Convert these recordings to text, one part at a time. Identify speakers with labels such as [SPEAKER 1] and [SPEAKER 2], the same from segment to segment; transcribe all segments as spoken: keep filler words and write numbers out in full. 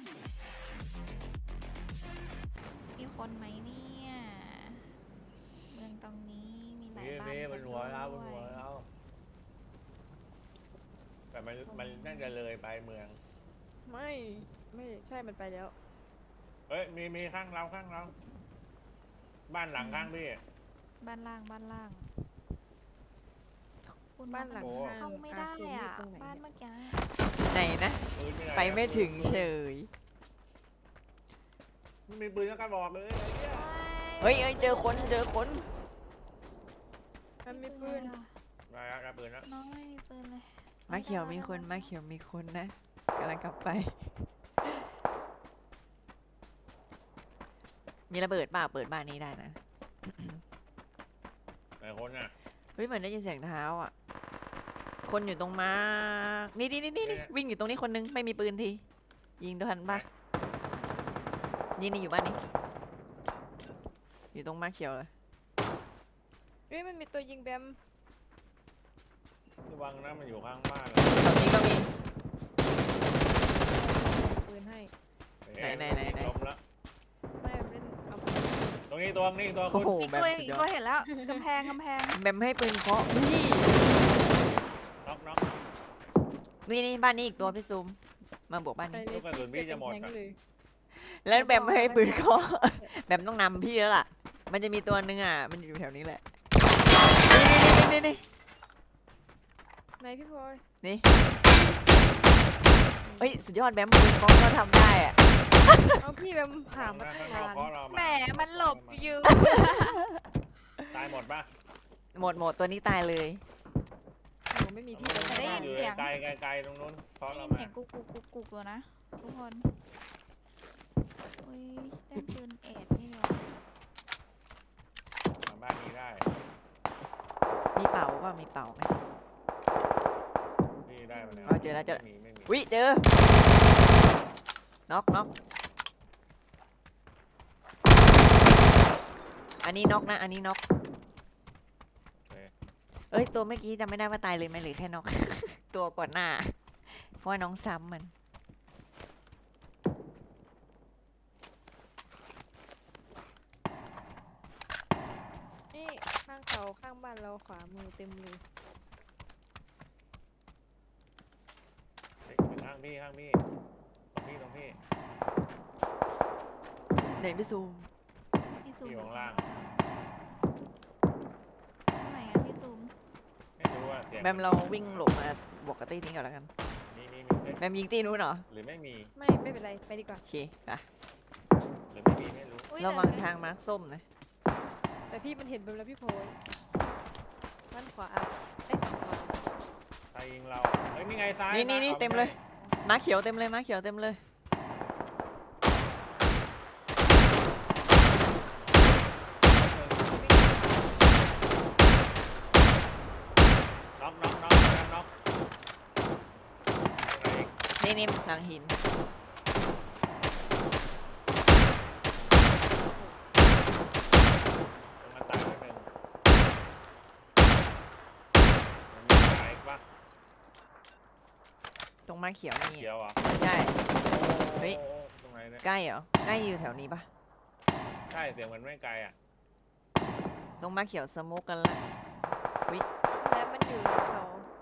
[SPEAKER 1] มีคนไหมเนี่ยเมืองตรงนี้มีหลาย
[SPEAKER 2] มี
[SPEAKER 1] บ้าน
[SPEAKER 2] มีบ
[SPEAKER 1] ซะ
[SPEAKER 2] น
[SPEAKER 1] ด้
[SPEAKER 2] หัวเราบน
[SPEAKER 1] ว
[SPEAKER 2] หัวย เราแต่มันมันน่าจะเลยไปเมือง
[SPEAKER 3] ไม่ไม่ใช่มันไปแล้ว
[SPEAKER 2] เฮ้ยมีมีข้างเราข้างเราบ้านหลังข้างพี่
[SPEAKER 1] บ้านล่างบ้านล่างคุณ
[SPEAKER 3] บ้านหลัง
[SPEAKER 2] โอ้
[SPEAKER 1] เข้าไม่ได้
[SPEAKER 3] คือ
[SPEAKER 1] อ่ะ
[SPEAKER 3] ตรงไหน
[SPEAKER 1] บ้าน
[SPEAKER 3] เนี่ย
[SPEAKER 1] เมื่อกี้
[SPEAKER 4] ไหนนะ
[SPEAKER 2] ปืนหน
[SPEAKER 4] ไปไม่ถึง
[SPEAKER 2] ปืน
[SPEAKER 4] เฉย
[SPEAKER 2] ไม่มีปืนแล้วก็บอกเลยไอ้เหี้ย
[SPEAKER 4] เฮ้ยเอ้ยเจอคนเจอคน
[SPEAKER 3] มันมีปืน
[SPEAKER 2] มาแล้วรับปืนแล้ว
[SPEAKER 1] น้องไม่มีปืนเลย
[SPEAKER 4] มาเขียวมีคนมาเขียวมีคนนะกำลังกลับไป มีระเบิดเปล่าเปิดบ้านนี้ได้นะ
[SPEAKER 2] ไหนคนอ่ะ
[SPEAKER 4] เฮ้ยเหมือนได้ยินเสียงเท้าอ่ะ คนอยู่ตรงมาร์คนี่นี่นี่นี่วิ่งอยู่ตรงนี้คนนึงไม่มีปืนที ยิงทันปะนี่นี่อยู่บ้านนี้ อยู่ตรงมาร์คเขียวเลย
[SPEAKER 3] เฮ้ยมันมีตัวยิงแบม
[SPEAKER 2] ระวังนะมันอยู่ข้างบ้าน
[SPEAKER 4] ตรงนี้ก็มี
[SPEAKER 3] ปืนให้
[SPEAKER 4] ไหนไหนไหนไหน
[SPEAKER 2] ล้มแล้ว
[SPEAKER 3] ไม่เล่นเอา
[SPEAKER 2] ตรงนี้ตัวนี้ตัว
[SPEAKER 4] โอ้
[SPEAKER 2] คุณ
[SPEAKER 4] โห
[SPEAKER 1] อีก
[SPEAKER 4] แบ
[SPEAKER 1] ตัว
[SPEAKER 4] บ
[SPEAKER 1] อีกตัวเห็นแล้วกำแพงกำแพง
[SPEAKER 4] แบมให้ปืนเคาะนี่
[SPEAKER 2] น็อกน็อก
[SPEAKER 4] นี่นี่บ้านนี้อีกตัวพี่ซูมมาบวกบ้าน
[SPEAKER 3] ไป
[SPEAKER 4] นี้
[SPEAKER 3] เลย
[SPEAKER 2] ลูกกระสุนพี่จะหมด
[SPEAKER 3] แทง
[SPEAKER 2] อะ
[SPEAKER 3] เลย
[SPEAKER 4] แล้วแบมให้ปืนเคาะ แบมต้องนำพี่แล้วล่ะ มันจะมีตัวนึงอ่ะ มันอยู่แถวนี้แหละ นี่นี่นี่
[SPEAKER 3] ไหนพี่พลอย
[SPEAKER 4] นี่เฮ้ย สุดยอดแบมปืนเคาะก็ทำได้อ่ะ
[SPEAKER 3] เอาพี่แบมหามา
[SPEAKER 2] นะ
[SPEAKER 3] ตั้ง
[SPEAKER 2] ข้างนอก
[SPEAKER 3] นาน
[SPEAKER 2] เพราะเรา
[SPEAKER 1] แหมมันหลบอยู่
[SPEAKER 2] ตายหมดปะ
[SPEAKER 4] หมดหมดตัวนี้ตายเลย
[SPEAKER 3] หนูไม่มีพี่เลย
[SPEAKER 1] ได้ยิน
[SPEAKER 2] อยู่
[SPEAKER 1] เสียง
[SPEAKER 2] ไกลไกลไกลตรงนู้นเพราะ
[SPEAKER 1] ได้
[SPEAKER 2] เรา
[SPEAKER 1] ยิน
[SPEAKER 2] มา
[SPEAKER 1] เสียงกุกกุกกุกกุกอยู่นะทุกคนอุ้ยเล่นปืนเอ็ดนี่เดียว
[SPEAKER 2] มาบ้านนี้ได้
[SPEAKER 4] มีเป่าว่ามีเป่าไหม
[SPEAKER 2] พี่ได้มาแล้ว
[SPEAKER 4] อ๋อเจอแล้วเจอแล้ว
[SPEAKER 2] ไม่มีไม่มี
[SPEAKER 4] วิเจอ น็อกน็อกอันนี้น็อกนะ อันนี้น็อก เอ้ย ตัวเมื่อกี้จำไม่ได้ว่าตายเลยไหมหรือแค่น็อก ตัวก่อนหน้า เพราะว่าน้องซ้ำมัน
[SPEAKER 3] นี่ข้างเขาข้างบ้านเราขวามือเต็มเลย
[SPEAKER 2] เฮ้ยข้างพี่ข้างพี่ตรงพี่ตรงพี่
[SPEAKER 4] ไหนพี่ซูม
[SPEAKER 1] พี่ซูม
[SPEAKER 2] พี่อยู่ข้างล่าง
[SPEAKER 1] ไหนอะพี่ซูม
[SPEAKER 2] ไม่รู้ว่าเสียง
[SPEAKER 4] แบมเราวิ่งหลบมาบวกกับตีนี้ก่อนแล้วกัน
[SPEAKER 2] มีมีมีเอ้ย
[SPEAKER 4] แบมยิงตีนู้นเหรอ
[SPEAKER 2] หรือไม่มี
[SPEAKER 3] ไม่ไม่เป็นไรไปดีกว่า
[SPEAKER 4] โอเคไป
[SPEAKER 2] หรือไม่มีไม่รู้
[SPEAKER 1] อุ๊ย
[SPEAKER 4] ระวัง
[SPEAKER 1] แต่
[SPEAKER 4] ทางมาร์คส้มนะ
[SPEAKER 3] แต่พี่มันเห็นแบมแล้วพี่พลอยด้านขวาอ่ะเอ๊ะขวา
[SPEAKER 2] ใครยิงเราเฮ้ยนี่ไงซ้าย
[SPEAKER 4] นี่นี่นี่
[SPEAKER 2] อา
[SPEAKER 4] เต็มเลย มาร์คเขียวเต็มเลย มาร์คเขียวเต็มเลย
[SPEAKER 2] น็อกน็อกน็อกน็อกน็อกอะไรอีก
[SPEAKER 4] นี่นี่หลังหิน
[SPEAKER 2] มันตายไปหนึ่งมันมีตายอีกปะ
[SPEAKER 4] ตรงมาร์คเขียวนี่
[SPEAKER 2] เขียวเหรอ่ะ
[SPEAKER 4] ใช่ เฮ้ย
[SPEAKER 2] ตรงไหนเนี่ย
[SPEAKER 4] ใกล้เหรอ ใกล้อยู่แถวนี้ปะ
[SPEAKER 2] ใช่เสียงมันไม่ไกลอ่ะ
[SPEAKER 4] ตรงมาร์คเขียวสโมกกันละ
[SPEAKER 3] แล้วมันอยู่เขา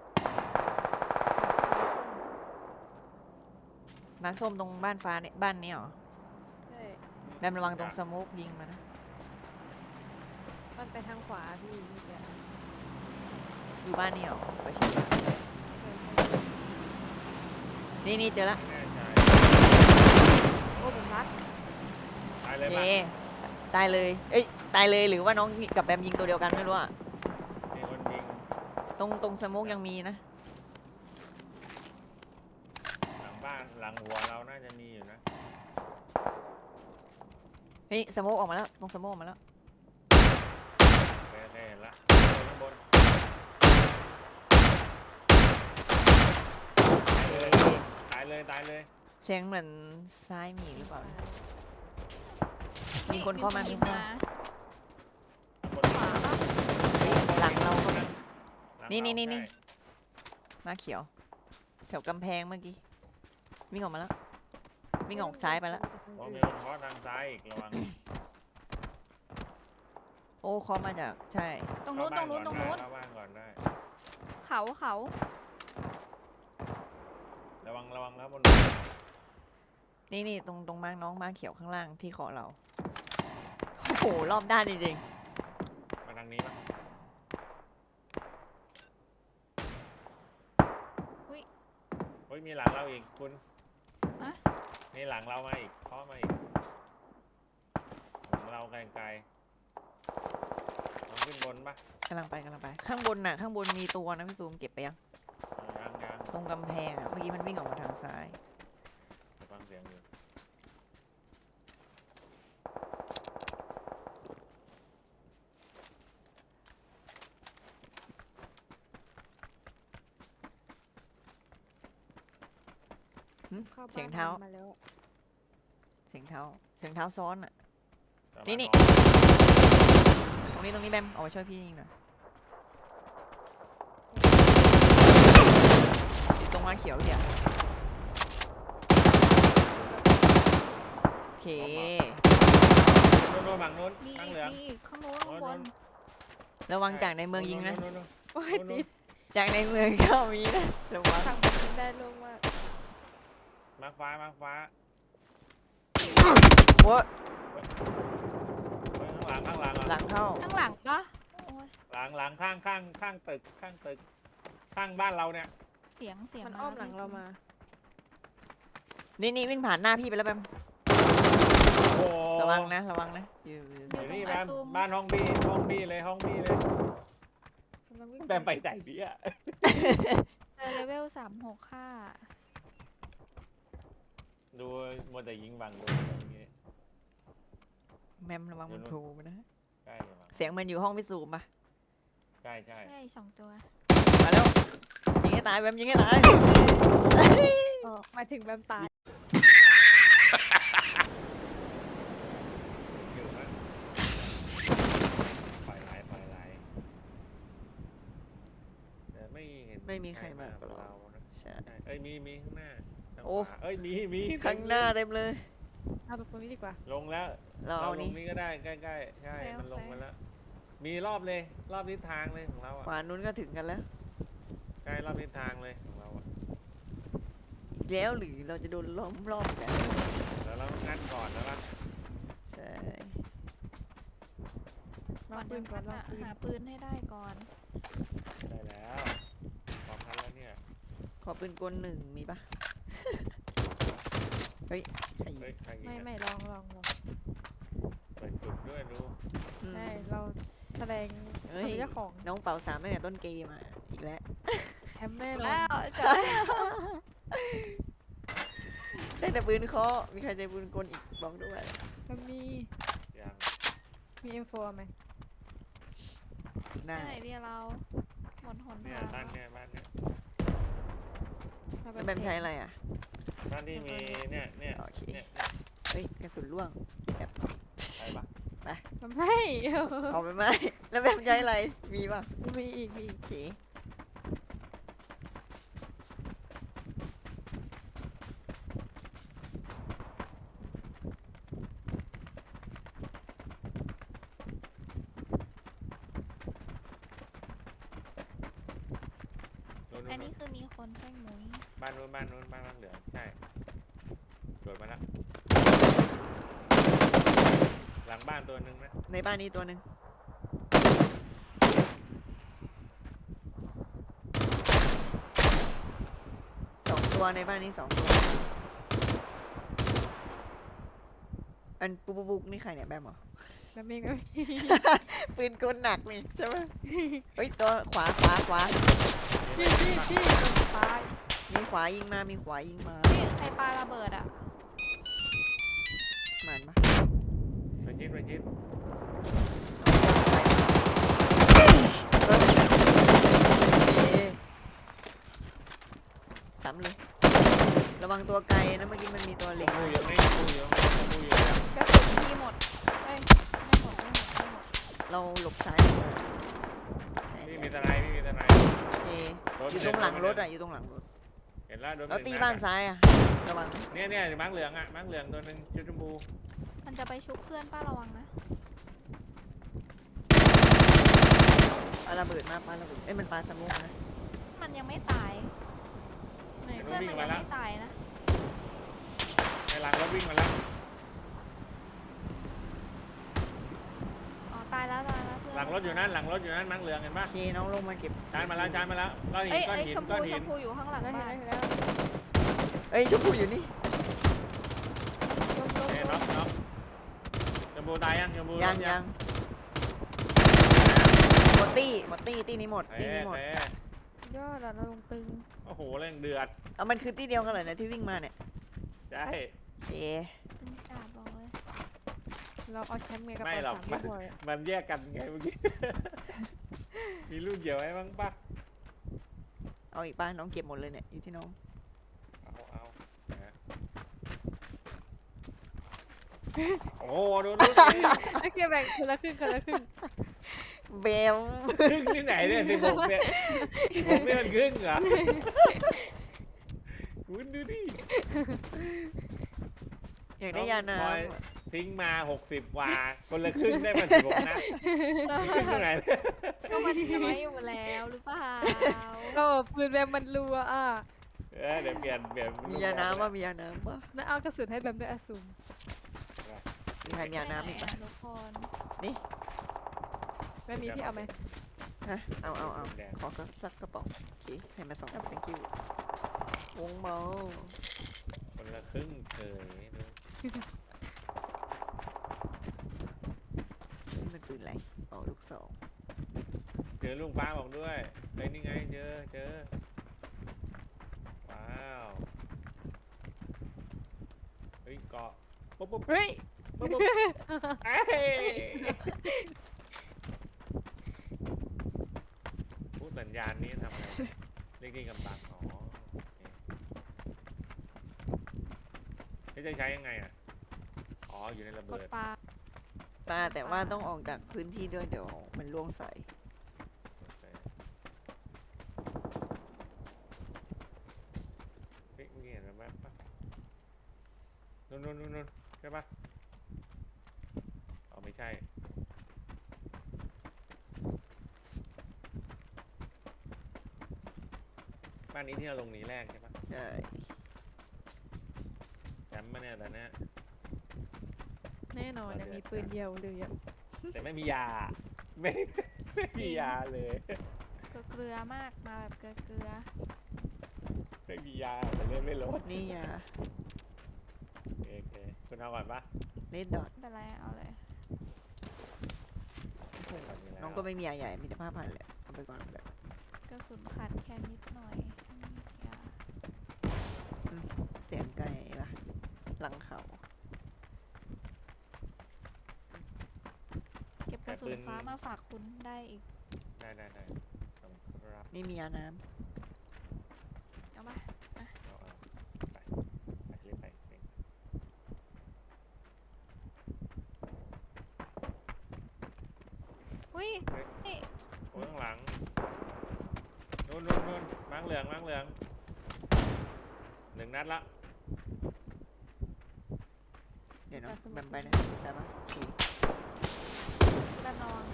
[SPEAKER 4] มาร์คส้มตรงบ้านฟ้าเนี่ยบ้านนี้เหรอ
[SPEAKER 3] ใช่
[SPEAKER 4] แบมระวังตรงสโมกยิงมานะ
[SPEAKER 3] มันไปทางขวาพี่เมื่อกี้
[SPEAKER 4] อยู่บ้านนี้เหรอไปเช็คนี่นี่เจอละ
[SPEAKER 2] ไม่แน่ใจ
[SPEAKER 3] โอ้ผมรัก
[SPEAKER 2] ตายเลย
[SPEAKER 4] เย
[SPEAKER 2] ปะ
[SPEAKER 4] ตายเลย เอ้ย ตายเลยหรือว่าน้องกับแบมยิงตัวเดียวกันไม่รู้อะ
[SPEAKER 2] มีคนยิง
[SPEAKER 4] ตรงตรงสโมกยังมีนะ
[SPEAKER 2] หลังบ้านหลังหัวเราน่าจะมีอยู่นะ
[SPEAKER 4] เฮ้ยสโมกออกมาแล้ว ตรงสโมกออกมาแล้ว
[SPEAKER 2] เคยเคยเห็นละข้างบนตายเลยตายเลย
[SPEAKER 4] เสียงเหมือนซ้ายมีหรือเปล่า มี
[SPEAKER 1] ฮ้ย
[SPEAKER 4] คนเข้ามามี
[SPEAKER 1] ยิง
[SPEAKER 4] คน
[SPEAKER 2] ข้างบน
[SPEAKER 3] ขวาปะ
[SPEAKER 4] เฮ้ยหลังเราก็มี
[SPEAKER 2] หลัง
[SPEAKER 4] นี่นี่นี่
[SPEAKER 2] เรา
[SPEAKER 4] นี่
[SPEAKER 2] ใช่
[SPEAKER 4] มาเขียว แถวกำแพงเมื่อกี้ วิ่งออกมาแล้ววิ่งออกซ้ายไปแล้ว
[SPEAKER 2] มองมีคนเคาะทางซ้ายอีกระวัง
[SPEAKER 4] โอ้เคอมาจากใช่
[SPEAKER 1] ตรงนู้นตรงนู้นตรงนู้น
[SPEAKER 2] เข้าบ้านก่อนได้
[SPEAKER 1] เขาเขา
[SPEAKER 2] ระวังระวังแล้วบน
[SPEAKER 4] นี่นี่ตรงตรงมาร์กน้องมาร์กเขียวข้างล่างที่เคาะเราโอ้โหรอบด้านจริง
[SPEAKER 2] มาทางนี้ปะเฮ้ยมีหลังเราอีกคุณมีหลังเรามาอีกเคาะมาอีกหลังเราไกลๆต้องขึ้นบนปะ
[SPEAKER 4] ๆกำลังไปกำลังไป ข้างบนน่ะข้างบนมีตัวนะพี่ซูมเก็บไปยัง
[SPEAKER 2] ยังยัง
[SPEAKER 4] ตรงกำแพงอ่ะเมื่อกี้มันวิ่งออกมาทางซ้าย
[SPEAKER 2] ฟังเสียงอยู่
[SPEAKER 4] หึ
[SPEAKER 3] เข้า
[SPEAKER 4] เสียง
[SPEAKER 3] บ้น
[SPEAKER 4] เท้า
[SPEAKER 3] มาแล้ว
[SPEAKER 4] เสียงเท้าเสียงเท้าซ้อนอ่ะ
[SPEAKER 2] ประมาณ
[SPEAKER 4] นี่นี่
[SPEAKER 2] มอง
[SPEAKER 4] ตรงนี้ตรงนี้แบมเอาไปช่วยพี่ยิงหน่อยอยู่ตรงมาร์คเขียวเดี๋ยวโอเค
[SPEAKER 2] นู้นนู้นฝั่งนู้น
[SPEAKER 1] มี
[SPEAKER 2] ข้าง
[SPEAKER 1] อีก
[SPEAKER 2] เหลือง
[SPEAKER 1] มีอีกข้างนู้นข้างบน
[SPEAKER 4] ระวังจากในเมืองยิงนะ
[SPEAKER 2] นู้นนู้น
[SPEAKER 3] โอ้ย
[SPEAKER 2] นู้น
[SPEAKER 3] ติด
[SPEAKER 4] จากในเมืองก็มีนะระวัง
[SPEAKER 3] ทางผมยิงได้ลงมาก
[SPEAKER 2] มาร์คฟ้ามาร์คฟ้า
[SPEAKER 4] โว้ย
[SPEAKER 2] เฮ้ยข้างหลังข้างหลัง
[SPEAKER 4] หลั
[SPEAKER 2] อ่ะ
[SPEAKER 4] งเข้า
[SPEAKER 1] ข้างหลังปะโอ้ย
[SPEAKER 2] หลังหลังข้างข้างข้างตึกข้างตึกข้างบ้านเราเนี่ย
[SPEAKER 1] เสียงเสียง
[SPEAKER 3] มันอ้อมหลังเรามา
[SPEAKER 4] นี่นี่วิ่งผ่านหน้าพี่ไปแล้วแบม
[SPEAKER 2] โอ้
[SPEAKER 4] ระวังนะระวังนะอยู่อยู่
[SPEAKER 2] เดี๋ยวนี่บ้านบ้านห้องบี้ห้องบี้เลยห้องบี้เลย
[SPEAKER 3] กำลังวิ่ง
[SPEAKER 2] แบมไปไหนพี่อะ
[SPEAKER 1] เจอเลเวลสามหกค่า
[SPEAKER 2] ดูมัวแต่ยิงบังดูอย่างงี้
[SPEAKER 4] แมมระวังมันโผล่มานะ
[SPEAKER 2] ใกล้อยู่มั้ง
[SPEAKER 4] เสียงมันอยู่ห้องพิสูจน์ปะ
[SPEAKER 2] ใช่ใช่
[SPEAKER 1] ใช่สองตัว
[SPEAKER 4] มาแล้วยิงให้ตายแบมยิงให้ตาย
[SPEAKER 3] อ๋อหมายถึงแบมตาย
[SPEAKER 2] อยู่นะปล่อยไหลปล่อยไหลแต่ไม่เห็น
[SPEAKER 4] ไม่มีใครมากับ
[SPEAKER 2] เรา
[SPEAKER 4] เรา
[SPEAKER 2] นะ
[SPEAKER 4] ใช่
[SPEAKER 2] ใช่เอ้ยมีมีข้างหน้าทาง
[SPEAKER 4] โอ้
[SPEAKER 2] ขวาเอ้ยมีมี
[SPEAKER 4] ข้างหน้าเต็มเลย
[SPEAKER 3] เอาตรงนี้ดีกว่า
[SPEAKER 2] ลงแล้ว
[SPEAKER 4] เรา
[SPEAKER 2] เรา
[SPEAKER 4] เอา
[SPEAKER 2] ล
[SPEAKER 4] นี้
[SPEAKER 2] งนี้ก็ได้ใกล้ๆใช่มันลงมาแล้ว มีรอบเลยรอบทิศทางเลยของเรา
[SPEAKER 4] ข
[SPEAKER 2] อ่ะ
[SPEAKER 4] วานู้นก็ถึงกันแล้ว
[SPEAKER 2] ใกล้รอบทิศทางเลยของเราอ่ะ
[SPEAKER 4] อีกแล้วหรือเราจะโดนล้อมรอบกัน
[SPEAKER 2] เดี๋ยวเรางัดก่อนแล้วล่ะ
[SPEAKER 4] ใช่
[SPEAKER 3] ล
[SPEAKER 1] ก่
[SPEAKER 3] อ
[SPEAKER 1] อง น
[SPEAKER 3] ปื
[SPEAKER 1] จะ
[SPEAKER 3] นก่อนลอง
[SPEAKER 1] อะ
[SPEAKER 3] ปืน
[SPEAKER 1] หาปืนให้ได้ก่อน
[SPEAKER 2] ได้แล้วพร้อมทันแล้วเนี่ย
[SPEAKER 4] ขอปืนกลหนึ่งมีปะ เฮ้ยใครยิง
[SPEAKER 2] เฮ้ยใครยิง
[SPEAKER 3] ไม่
[SPEAKER 2] อะ
[SPEAKER 3] ไม่ลองลองลอง
[SPEAKER 2] เปิดจุดด้วยดู
[SPEAKER 4] อืม
[SPEAKER 3] ใช่เราแสดง
[SPEAKER 4] เฮ้ย
[SPEAKER 3] เป็นเจ้าของ
[SPEAKER 4] น้องเป่าสามตั้งแต่ต้นเกมอ่ะอีกแล้ว
[SPEAKER 3] แชมป์แน่นอ
[SPEAKER 1] แล้
[SPEAKER 3] น
[SPEAKER 1] วเจอแล้ว
[SPEAKER 4] ได้แต่ปืนเคาะมีใครใจปืนกลอีกบอกด้วย
[SPEAKER 3] มันมี
[SPEAKER 2] ยัง
[SPEAKER 3] มี เอ็ม โฟร์ ไหม
[SPEAKER 4] ได้
[SPEAKER 1] ที่ไหนดีเราหมดหน
[SPEAKER 2] เนี่ย
[SPEAKER 1] ทาง
[SPEAKER 2] บ้านเนี่ยบ้านเนี่ย
[SPEAKER 3] มา
[SPEAKER 4] แล้วแบมใช้อะไรอ่ะ
[SPEAKER 2] บ้านที่มีเนี่ยเนี่ย
[SPEAKER 4] โอเค
[SPEAKER 2] เนี่ย
[SPEAKER 4] เฮ้ยกระสุนล่วงแบบ
[SPEAKER 2] ไปปะ
[SPEAKER 3] มันไม่
[SPEAKER 4] เอาไปไหมแล้วแบมใช้อะไรมีปะ
[SPEAKER 3] มีอีกมีอีก
[SPEAKER 4] โอเค
[SPEAKER 2] นู้น
[SPEAKER 1] อัน
[SPEAKER 2] นู้
[SPEAKER 1] นี้
[SPEAKER 2] น
[SPEAKER 1] คือมีคนแป้งหมุย
[SPEAKER 2] บ้านนู้นบ้านนู้นบ้านบ้านเหลืองใช่โดดมาแล้วหลังบ้านตัวหนึ่งนะ
[SPEAKER 4] ในบ้านนี้ตัวหนึ่งสองตัวในบ้านนี้สองตัว อันปุ๊บปุ๊บปุ๊บนี่ใครเนี่ยแบมเหรอ
[SPEAKER 3] แล้วเมงก็มี
[SPEAKER 4] ปืนกลหนักนี่ใช่ไหมเฮ้ยตัวขวาขวาขวา
[SPEAKER 3] พี่พี่พี่มันตาย
[SPEAKER 4] มีขวายิงมามีขวายิงมา
[SPEAKER 1] นี่ใครปาระเบิดอ่ะ
[SPEAKER 4] หมันปะ
[SPEAKER 2] ไปชิดไปชิด
[SPEAKER 4] เอ๊ะซ้ำเลย ระวังตัวไกลนะเมื่อกี้มันมีตัวเหล็ก
[SPEAKER 2] ดูอยู่นี่ดูอยู่นี่ดูอยู่เนี่ย
[SPEAKER 1] กระสุนพี่หมดเอ้ยไม่หมดไม่หมดไม่หมด
[SPEAKER 4] เราหลบซ้ายใช่
[SPEAKER 2] นี่
[SPEAKER 4] เดี๋ยว
[SPEAKER 2] มีทนายนี่มีทนาย
[SPEAKER 4] โอเค
[SPEAKER 2] รถ
[SPEAKER 4] อยู่ตรงหลังรถอ่ะอยู่ตรงหลังรถ
[SPEAKER 2] เห็นแล้วโดน
[SPEAKER 4] แล้ว
[SPEAKER 2] ห
[SPEAKER 4] ตี
[SPEAKER 2] ง
[SPEAKER 4] บ้าน
[SPEAKER 2] นัดอะ
[SPEAKER 4] ซ้ายอ่ะระวังนะ
[SPEAKER 2] เนี่ยเนี่ยมังเหลืองอ่ะมังเหลืองตัวหนึงชุดชมพู
[SPEAKER 1] มันจะไปชุบเพื่อนป้าระวังนะ
[SPEAKER 4] ปาระเบิดมาปาระเบิดเอ้ยมันปาสมุกนะ
[SPEAKER 1] มันยังไม่ตาย
[SPEAKER 3] ไหน
[SPEAKER 1] เพื่อนมันยังไม่ตายนะ
[SPEAKER 2] ในหลังรถวิ่งมาแล้ว
[SPEAKER 1] อ๋อตายแล้วตายแล้วเพื่อน
[SPEAKER 2] หลังรถอยู่นั่นหลังรถอยู่นั่นมังเหลืองเห็น
[SPEAKER 4] โอ
[SPEAKER 2] ปะ
[SPEAKER 4] เคน้องลงมาเก็บ
[SPEAKER 2] จานมาแล้วจานมาแล้วก้อนหิน
[SPEAKER 1] เอ้ย
[SPEAKER 2] ก้อน
[SPEAKER 1] เอ้ย
[SPEAKER 2] หิน
[SPEAKER 1] ชม
[SPEAKER 2] ก้
[SPEAKER 1] พู
[SPEAKER 2] อน
[SPEAKER 1] ช
[SPEAKER 2] หิน
[SPEAKER 1] มพูอยู่ข้างหลัง
[SPEAKER 3] ได้
[SPEAKER 1] บ้าน
[SPEAKER 3] เห็นแล้ว
[SPEAKER 4] เอ้ยชมพูอยู่นี่
[SPEAKER 3] ลงลง
[SPEAKER 2] เนี่ย
[SPEAKER 3] ล
[SPEAKER 2] น็อง กน็อกชมพูตายยังชมพู
[SPEAKER 4] ยัง
[SPEAKER 2] น็อก
[SPEAKER 4] ยังหมดตี้หมดตี้ตี้นี้หมด
[SPEAKER 2] เอ๊
[SPEAKER 4] ตี้นี้หมด
[SPEAKER 2] ะ
[SPEAKER 3] ยอดอะเราลงตึง
[SPEAKER 2] โอ้โหแรงเดือด
[SPEAKER 4] เอามันคือตี้เดียวกันเลยนะที่วิ่งมาเนี่ย
[SPEAKER 2] ใช่
[SPEAKER 4] เอ๊ะ
[SPEAKER 1] ตึงจัดบอกเลย
[SPEAKER 3] เราเอาแชมป์ไงกับ
[SPEAKER 2] ไม่
[SPEAKER 3] เอา
[SPEAKER 2] หรอก
[SPEAKER 3] สาม
[SPEAKER 2] มัน
[SPEAKER 3] พี่พลอยอะ
[SPEAKER 2] มันแยกกันไงเมื่อกี้ มีลูกเกี่ยวไว้บ้างปะ
[SPEAKER 4] เอาอีกป้าน้องเก็บหมดเลยเนี่ยอยู่ที่น้อง
[SPEAKER 2] เอาเอานะฮะโอ้โหดูดูดิ
[SPEAKER 3] โอเคแบ่งคนละครึ่งคนละครึ่ง
[SPEAKER 4] เบล
[SPEAKER 2] ครึ่งที่ไหนเนี่ยสิบหกเนี่ยสิบหกเนี่ยมันครึ่งเหรอคุณดูดิ
[SPEAKER 4] อยากได้ยาน้
[SPEAKER 2] พลอยทิ้งมาหกสิบวาคนละครึ่งได้มาสิบหกนะครึ่งที่ไหนเนี่ย
[SPEAKER 1] ก็มันน้อยอยู่แล้วหรือเปล่า
[SPEAKER 3] ก็ปืนแบมมันรัวอ่ะ
[SPEAKER 2] เออเดี๋ยวเปลี่ยนเปลี่ยน
[SPEAKER 4] ำมียาน้ำป่ะมียาน้ำป่ะ
[SPEAKER 3] นั่นเอากระสุนให้แบมด้วยอสูม
[SPEAKER 4] มีใครมียาน้ำอีกป่ะ
[SPEAKER 1] ทุกคน
[SPEAKER 3] แม่มีพี่เอาไหม
[SPEAKER 4] ฮะเอาเอาเอา
[SPEAKER 2] แดง
[SPEAKER 4] ขอสักสักกระป๋องโอเคให้มาสอง thank you วงเมา
[SPEAKER 2] คนละครึ่งเฉยดู
[SPEAKER 4] นี่มันปืนอะไรอ๋อลูกสอง
[SPEAKER 2] เจอลุงป้าบอกด้วยเฮ้ยนี่ไงเจอเจอว้าวเฮ้ยเกาะปุ๊บปุ๊บ
[SPEAKER 3] เฮ้ย
[SPEAKER 2] ปุ๊บปุ๊บเอ้ยพูดสัญญาณนี้ทำอะไรเรียกที่กำบังอ๋อโอเคเฮ้ยจะใช้ยังไงอ่ะอ๋ออยู่ในระ
[SPEAKER 1] ก
[SPEAKER 2] เบิ
[SPEAKER 1] ด
[SPEAKER 2] ด
[SPEAKER 1] ปลา
[SPEAKER 4] ตาแต่ว่าต้องออกจากพื้นที่ด้วยเดี๋ยวมันล่วงใส่
[SPEAKER 2] เฮ้ยเมื่อกี้เห็นแว๊บๆปะนู่นนู่นนู่นนู่นใช่ปะอ๋อไม่ใช่ บ้านนี้ที่เราลงหนีแรกใช่ปะ
[SPEAKER 4] ใช่
[SPEAKER 2] แชมป์มาเนี่ยแต่เนี้ย
[SPEAKER 3] แน่นอนยังมีปืนเดียวเลยอะ
[SPEAKER 2] แต่ไม่มียา ไม่ไม่มียาเลย
[SPEAKER 1] เกลือเกลือมากมาแบบเกลือเกลือ
[SPEAKER 2] ไม่มียาแต่เล่นไม่ลด
[SPEAKER 4] นี่ยา
[SPEAKER 2] โอเคโอเคคุณเอาก่อนปะ
[SPEAKER 4] เลดดอท
[SPEAKER 1] ไม่เป็นไรเอาเลย
[SPEAKER 2] ก่อนมีแล้ว
[SPEAKER 4] น้องก็ไม่มียาใหญ่มีแต่ผ้าพันแหละเอาไปก่อนเลย
[SPEAKER 1] กระสุนขาดแค่นิดหน่อยอย่า
[SPEAKER 4] เสียงไก่ละหลังเขา
[SPEAKER 1] เก็บกระสุนฟ้ามาฝากคุณได้อีก
[SPEAKER 2] ได้ได้ได้ต้องรับ
[SPEAKER 4] นี่มียาน้
[SPEAKER 1] เอามา
[SPEAKER 2] เอาเอาไปไปเล่นไปเล่น
[SPEAKER 1] อุ้ยนี่
[SPEAKER 2] โอ้ยข้างหลังนู่นนู่นนู่นมังเหลืองมังเหลืองหนึ่งนัดละ
[SPEAKER 4] ำเดี๋ยวน้องแบมไปนะได้ปะโอเค
[SPEAKER 1] แบบระวัง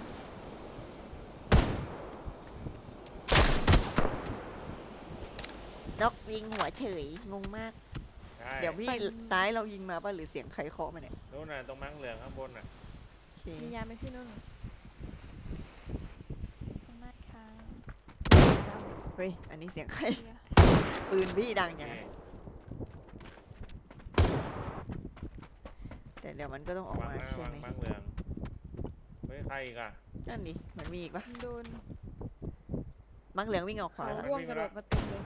[SPEAKER 4] นกยิงหัวเฉยงงมาก
[SPEAKER 2] ใช่
[SPEAKER 4] เดี๋ยวพี่ซ้ายเรายิงมาป่ะหรือเสียงใครเคาะมาเนี่ย
[SPEAKER 2] นู่นน่ะตรงมังเหลืองข้างบนน่ะ
[SPEAKER 4] โอเค
[SPEAKER 3] มียาไหมพี่นุ่น
[SPEAKER 1] ข้างหน้าค้าง
[SPEAKER 4] เฮ้ยอันนี้เสียงใคร
[SPEAKER 1] เกลือ
[SPEAKER 4] ปืนพี่ดัง
[SPEAKER 2] โอ
[SPEAKER 4] ยัง
[SPEAKER 2] เค
[SPEAKER 4] แต่เดี๋ยวมันก็ต้องออก
[SPEAKER 2] วาง
[SPEAKER 4] มา
[SPEAKER 2] นะ
[SPEAKER 4] ใช่
[SPEAKER 2] วาง
[SPEAKER 4] ไหม
[SPEAKER 2] มังเหลืองเฮ้ยใครอีกอ่ะ
[SPEAKER 4] นั่นดิมันมีอีกปะ
[SPEAKER 3] โดน
[SPEAKER 4] มังเหลืองวิ่งออกข
[SPEAKER 3] เขา
[SPEAKER 4] วาละ
[SPEAKER 3] ร่วงกระโดดมาเต็มเลย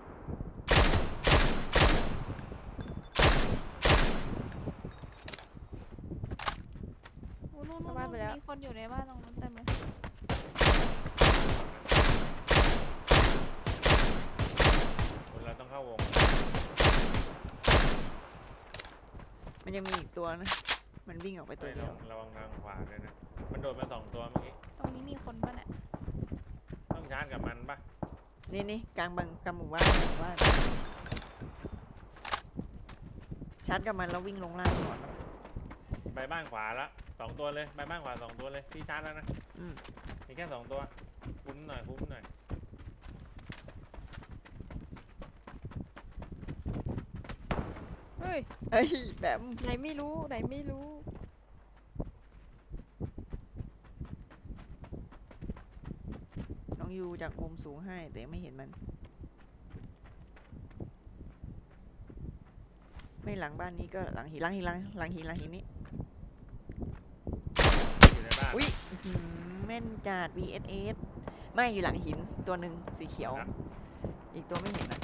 [SPEAKER 1] อู้นู่นนู่นนู่นมีคนอยู่ในบ้านตรงนั้นเต็มเลย
[SPEAKER 2] คนเราต้องเข้าวง
[SPEAKER 4] มันยังมีอีกตัวนะมันวิ่งออกไปตัว
[SPEAKER 2] เฮ้ย
[SPEAKER 4] เดี
[SPEAKER 2] ระ
[SPEAKER 4] ยว
[SPEAKER 2] วังระวังทางขวาด้วยนะมันโดดมาสองตัวเมื่อกี้
[SPEAKER 1] ตรงนี้มีคนป่ะเนี่ย
[SPEAKER 2] ต้องชาร์จกับมันปะ
[SPEAKER 4] นี่นี่กลางบังกลางหมู่บ้านหมู่บ้านชาร์จกับมันแล้ววิ่งลงล่างก่อน
[SPEAKER 2] ไปบ้านขวาละสองตัวเลยไปบ้านขวาสองตัวเลยพี่ชาร์จแล้วนะ
[SPEAKER 4] อืม
[SPEAKER 2] มีแค่สองตัวคุ้มหน่อยคุ้มหน่อย
[SPEAKER 3] เฮ้ย
[SPEAKER 4] เฮ้ยแบบ
[SPEAKER 3] ไหนไม่รู้ไหนไม่รู้
[SPEAKER 4] น้องยูจากมุมสูงให้แต่ไม่เห็นมัน ไม่หลังบ้านนี้ก็หลังหินหลังหินหลังหลังหินหลังหินนี้
[SPEAKER 2] อยู่ในบ้าน
[SPEAKER 4] อุ้ยอื้อหือแม่นจัด วี เอส เอส ไม่อยู่หลังหินตัวหนึ่งสีเขียว
[SPEAKER 2] นะ
[SPEAKER 4] อีกตัวไม่เห็นอ่ะ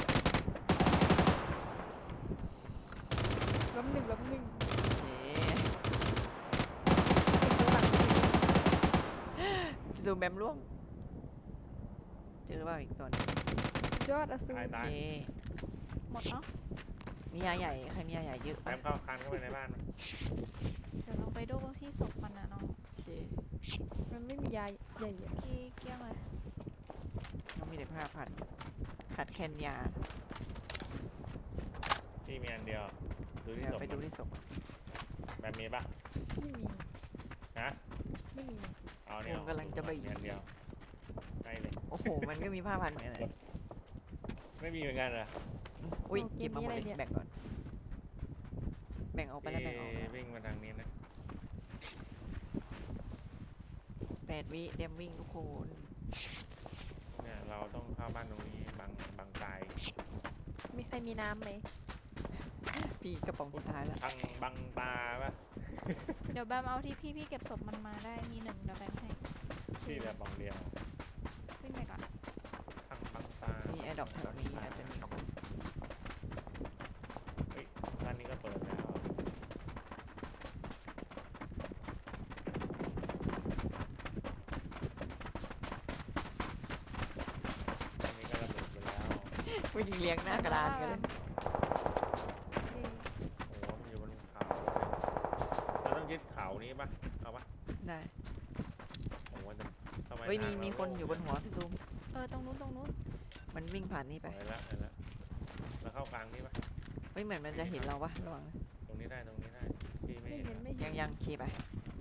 [SPEAKER 3] ล้มหนึ่งล้มหนึ่ง
[SPEAKER 4] เย้
[SPEAKER 3] เป็นตัวหลัง
[SPEAKER 4] พี่ซูมแบมร่วง เจอเปล่าอีกตัวหนึง
[SPEAKER 3] ยอดอสูร
[SPEAKER 2] ตาย
[SPEAKER 4] โอ
[SPEAKER 2] ตาย
[SPEAKER 4] เค
[SPEAKER 1] หมดเนาะ
[SPEAKER 4] มียาใหญ่ใครมียาใหญ่เยอะ
[SPEAKER 2] แบ
[SPEAKER 4] ปะ
[SPEAKER 2] มเข้าคันเข้าไปในบ้านมัน
[SPEAKER 1] เดี๋ยวลองไปดูที่ศพมันนะน้อง
[SPEAKER 4] โอเค
[SPEAKER 3] มันไม่มียาใหญ่ๆ
[SPEAKER 1] กี้เกลี้ยงเลย
[SPEAKER 4] น้องมีแต่ผ้าพันขาดแคลนยา
[SPEAKER 2] พี่มีอันเดียวดูที่
[SPEAKER 4] เดี๋ยว
[SPEAKER 2] ศพ
[SPEAKER 4] ไปดู
[SPEAKER 2] มัน
[SPEAKER 4] ที่ศพ
[SPEAKER 2] แบมมีปะ
[SPEAKER 3] ไม่มี
[SPEAKER 2] นะ
[SPEAKER 3] ไม่มี
[SPEAKER 2] เอาเนี่ย
[SPEAKER 4] ผมกำลังจะไป
[SPEAKER 2] มีอันเดียวใกล้เลย
[SPEAKER 4] โอ้โห มันก็มีผ้าพันเหมือนกันเลย
[SPEAKER 2] ไม่มีเหมือนกันเหรอ
[SPEAKER 4] อุ้ยเก็บมาหมดเลยแบ่งก่อน แบ่งออกไปแล้วแบ่งออก
[SPEAKER 2] พี่วิ่งมาทางนี้นะ
[SPEAKER 4] แปดวิเตรียมวิ่งทุกคน
[SPEAKER 2] เนี่ยเราต้องเข้าบ้านตรงนี้บังบังตาย
[SPEAKER 3] มีใครมีน้ำไหม
[SPEAKER 4] พี่กระป๋องสุดท้ายแล้ว
[SPEAKER 2] บังบังตาปะ
[SPEAKER 1] เดี๋ยวแบมเอาที่พี่พี่เก็บศพมันมาได้มีหนึ่งเดี๋ยวแบมให้
[SPEAKER 2] พี่แบบบังเดียว
[SPEAKER 1] วิ่งไปก่อน
[SPEAKER 2] บังบังตา
[SPEAKER 4] มีแอร์ดรอปแถวนี้อาจจะมีคน
[SPEAKER 2] เฮ้ยบ้านนี้ก็เปิดแล้วบ้านนี้ก็ระเบิดไปแล้ว
[SPEAKER 4] วิ่งเลี้ยงหน้ากระดานกันเลย
[SPEAKER 3] เอ้ย
[SPEAKER 2] โอ้โหมันอยู่บนเขาเราต้องยึดเขานี้ปะเอาปะ
[SPEAKER 4] ได้
[SPEAKER 2] โอ้โหจะทำไม
[SPEAKER 4] เฮ้ยมี
[SPEAKER 2] ทาง
[SPEAKER 4] มี
[SPEAKER 2] เรา
[SPEAKER 4] คนอยู่บนหัวพี่ซูม
[SPEAKER 1] เออตรงนู้นตรงนู้น
[SPEAKER 4] มันวิ่งผ่านนี่ไป
[SPEAKER 2] เห็นแล้วเห็นแล้วแล้วเข้ากลางนี้ปะ
[SPEAKER 4] เฮ้ยเหมือนมันจะเห็นเราปะระวังนะ
[SPEAKER 2] ตรงนี้ได้ตรงนี้ได้พี่ไม่
[SPEAKER 3] ไม่
[SPEAKER 2] เห็น
[SPEAKER 3] เห็น
[SPEAKER 2] นะ
[SPEAKER 3] ไม่เห็
[SPEAKER 4] ยั
[SPEAKER 3] น
[SPEAKER 4] งยังขี่ไป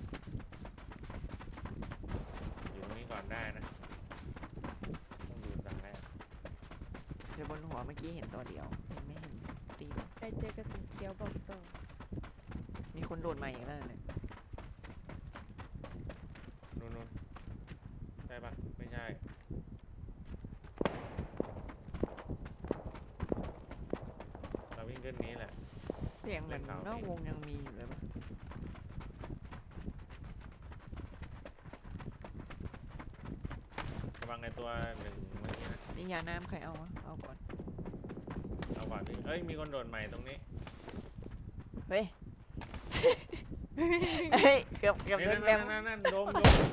[SPEAKER 2] อยู่ตรงนี้ก่อนได้นะต้องดูซ้ายอะ
[SPEAKER 4] เดี๋ยวบนหัวเมื่อกี้เห็นตัวเดียวยังไม่เห็นตีน
[SPEAKER 3] ใครเจอกระสุนเขียวบอกต่อ
[SPEAKER 4] มีคนโดดมาอีกแล้วเนี่ย
[SPEAKER 2] นู่นนู่นใช่ปะไม่ใช่เราวิ่งขึ้นนี้แหละ
[SPEAKER 4] เสียงเหมือนนอกวงยังมีอยู่เลยปะ
[SPEAKER 2] ระวังในตัวหนึ่งเมื่อกี้นะ
[SPEAKER 4] นี่ยาน้ำใครเอาวะเอาก่อน
[SPEAKER 2] เอาก่อนดิเอ้ยมีคนโดดใหม่ตรงนี้
[SPEAKER 4] เฮ้ย เฮ้ยเกือบเกือบ
[SPEAKER 2] เฮ้ย
[SPEAKER 4] โด
[SPEAKER 2] นั่
[SPEAKER 4] น
[SPEAKER 2] น
[SPEAKER 4] แบ
[SPEAKER 2] นั่
[SPEAKER 4] ม
[SPEAKER 2] นนั่นนั่นโดมโดม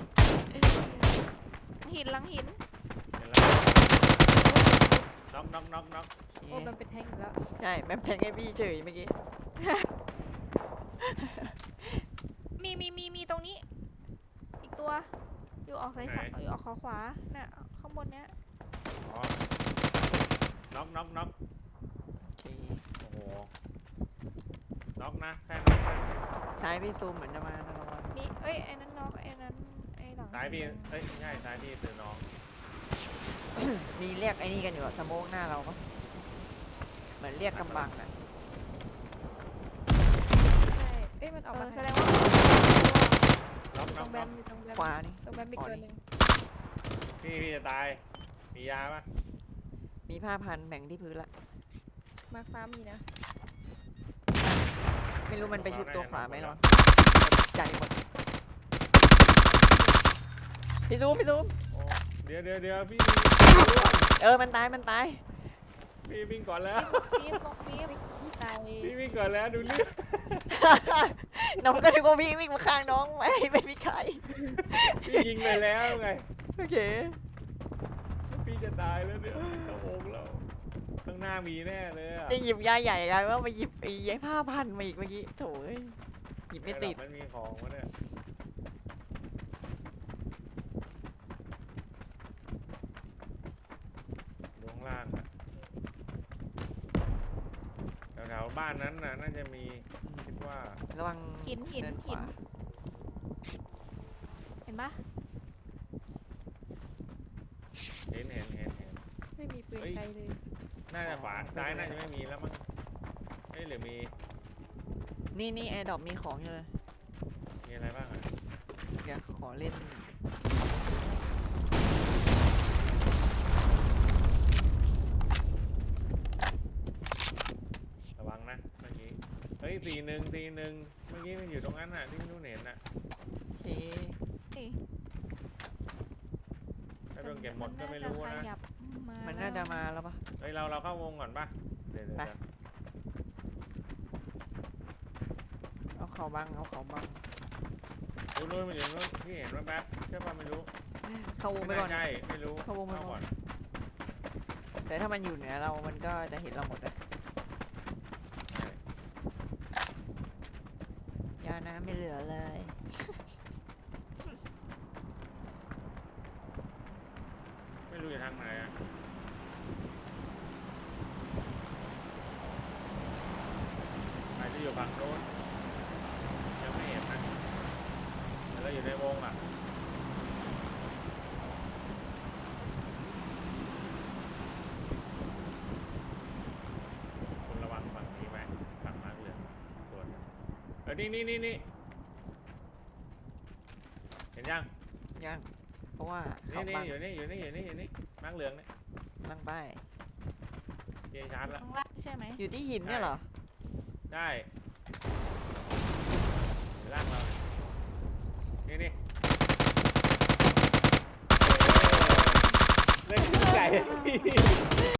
[SPEAKER 1] หินหลังหิน
[SPEAKER 2] เห็นแล้วน็อกน็อกน็อกน็อก
[SPEAKER 4] โอ
[SPEAKER 3] โอ้
[SPEAKER 4] เค
[SPEAKER 3] มันเป็นแทงอยู่แล้ว
[SPEAKER 4] ใช่แบมแทงให้พี่เฉยเมื่อกี้
[SPEAKER 1] มีมีมีมีตรงนี้ อีกตัว อยู่ออกซ้ายซ้ายอยู่ออกขวาขวาน่ะข้างบนเนี้ย
[SPEAKER 2] อ๋อน็อกน็อกน็อก
[SPEAKER 4] โอเค
[SPEAKER 2] โอ้โหน็อกนะแค่น็อกนะ
[SPEAKER 4] ซ้ายพี่ซูมเหมือนจะมานะระวัง
[SPEAKER 1] มีเอ้ยไอ้นั้นน้องไอ้นั้นไอ้หลัง
[SPEAKER 2] ซ้ายพี่เอ้ยไม่ใช่ซ้ายพี่คือน้อง
[SPEAKER 4] มีเรียกไอ้นี่กันอยู่อะสโมกหน้าเราปะเหมือนเรียกกำบังอะ
[SPEAKER 3] ใช่เอ้ยมันออก
[SPEAKER 1] เอ
[SPEAKER 3] มา
[SPEAKER 1] อแส
[SPEAKER 3] ทาง
[SPEAKER 1] ดงว่า
[SPEAKER 2] น็อก
[SPEAKER 3] ต
[SPEAKER 2] น็
[SPEAKER 3] ร
[SPEAKER 2] อก
[SPEAKER 3] งแบ
[SPEAKER 2] น็อก
[SPEAKER 3] มมีตรงแบม
[SPEAKER 4] ขวานี่
[SPEAKER 3] ตรงแบมมีตัวหนึ่ง
[SPEAKER 2] พี่พี่จะตายมียาปะ
[SPEAKER 4] มีผ้าพันแบ่งที่พื้นละ
[SPEAKER 3] มาฟ้ามีนะ
[SPEAKER 4] ไม่รู้มันไปชุบตัวขวาไหมหรอใจหมดพี่ซูมพี่ซูม
[SPEAKER 2] โอ้เดี๋ยวเดี๋ยวเดี๋ยวพี่
[SPEAKER 4] เออมันตายมันตาย
[SPEAKER 2] พี่วิ่งก่อนแล้ว
[SPEAKER 1] ปี๊บบอกปี๊บ
[SPEAKER 3] ตาย
[SPEAKER 2] พี่วิ่งก่อนแล้วดูเลือด
[SPEAKER 4] น้องก็นึกว่าพี่วิ่งมาข้างน้องไม่ไม่มีใคร
[SPEAKER 2] พี่ยิงไปแล้วไง
[SPEAKER 4] โอเค
[SPEAKER 2] พี่จะตายแล้วเนี่ยกระโปงเราข้างหน้ามีแน่เลยอะ
[SPEAKER 4] จะหยิบยาใหญ่กันว่ามาหยิบไอ้ยายผ้าพันมาอีกเมื่อกี้โถเอ้ยหยิบไม่ติด
[SPEAKER 2] มันมีของวะเนี่ยลงล่างอะแถววๆบ้านนั้นน่ะน่าจะมีคิดว่า
[SPEAKER 4] ระวัง
[SPEAKER 1] หินหิน
[SPEAKER 4] เดิข
[SPEAKER 1] หิน
[SPEAKER 4] วา
[SPEAKER 1] เห็นปะ
[SPEAKER 2] เห็นเห็นเห็นเห็น
[SPEAKER 3] ไม่มีปืน
[SPEAKER 2] เฮ้ย
[SPEAKER 3] ไกลเลย
[SPEAKER 2] น่าจะขวาซ้ายน่าจะไม่มีแล้วมั้งเอ้ยหรือมี
[SPEAKER 4] นี่นี่แอร์ดรอปมีของอยู่เลย
[SPEAKER 2] มีอะไรบ้างอ่ะ
[SPEAKER 4] เดี๋ยวขอเล่น
[SPEAKER 2] ระวังนะเมื่อกี้เฮ้ยสี่หนึ่งสี่หนึ่งเมื่อกี้มันอยู่ตรงนั้นน่ะที่นู่นเห็นน่ะ
[SPEAKER 4] โอเค
[SPEAKER 1] นี่
[SPEAKER 2] ถ้าโดนเก็บหมดก็ไม่รู้
[SPEAKER 1] น่า
[SPEAKER 2] นะ
[SPEAKER 1] จะขยับมา
[SPEAKER 4] มัน
[SPEAKER 1] แล้ว
[SPEAKER 4] น่าจะมาแล้วปะ
[SPEAKER 2] เฮ้ยเราเราเข้าวงก่อนปะเดี๋ยวเดี๋ยว
[SPEAKER 4] ไป
[SPEAKER 2] เดี๋ยว
[SPEAKER 4] เอาเขาบังเอาเขาบัง
[SPEAKER 2] ดูนู่นมันอยู่นู่นที่เห็นว่าแป๊บใช่ป่ะไม่รู้
[SPEAKER 4] เข้าวงไป
[SPEAKER 2] ไม่
[SPEAKER 4] ก่อน
[SPEAKER 2] แน่ใจไม่รู้
[SPEAKER 4] เข้าวงไปก่อน
[SPEAKER 2] ก่อน
[SPEAKER 4] แต่ถ้ามันอยู่เหนือเรา มันก็จะเห็นเราหมดเลยยาน้ำไม่เหลือเลย
[SPEAKER 2] ไม่รู้อยู่ทางไหนอ่ะอาจจะอยู่ฝั่งโน้นยังไม่เห็นนะแต่เราอยู่ในวงอ่ะคุณระวังฝั่งนี้ไหมฝั่งมาร์กเหลืองส่วนเออนี่นี่นี่นี่เห็นยัง
[SPEAKER 4] ยัง เพราะว่า
[SPEAKER 2] นี่
[SPEAKER 4] เขา
[SPEAKER 2] นี่
[SPEAKER 4] บัง
[SPEAKER 2] อยู่นี่อยู่นี่อยู่นี่อยู่นี่มาร์กเหลืองเนี่ย
[SPEAKER 4] ลังไป
[SPEAKER 2] เจชาร์จแล้ว
[SPEAKER 1] ข้างล่างใช่ไหม
[SPEAKER 4] อยู่ที่หินเนี่ยเหรอ
[SPEAKER 2] ได้อยู่ล่างเราเนี่ยนี่นี่เล่นไก่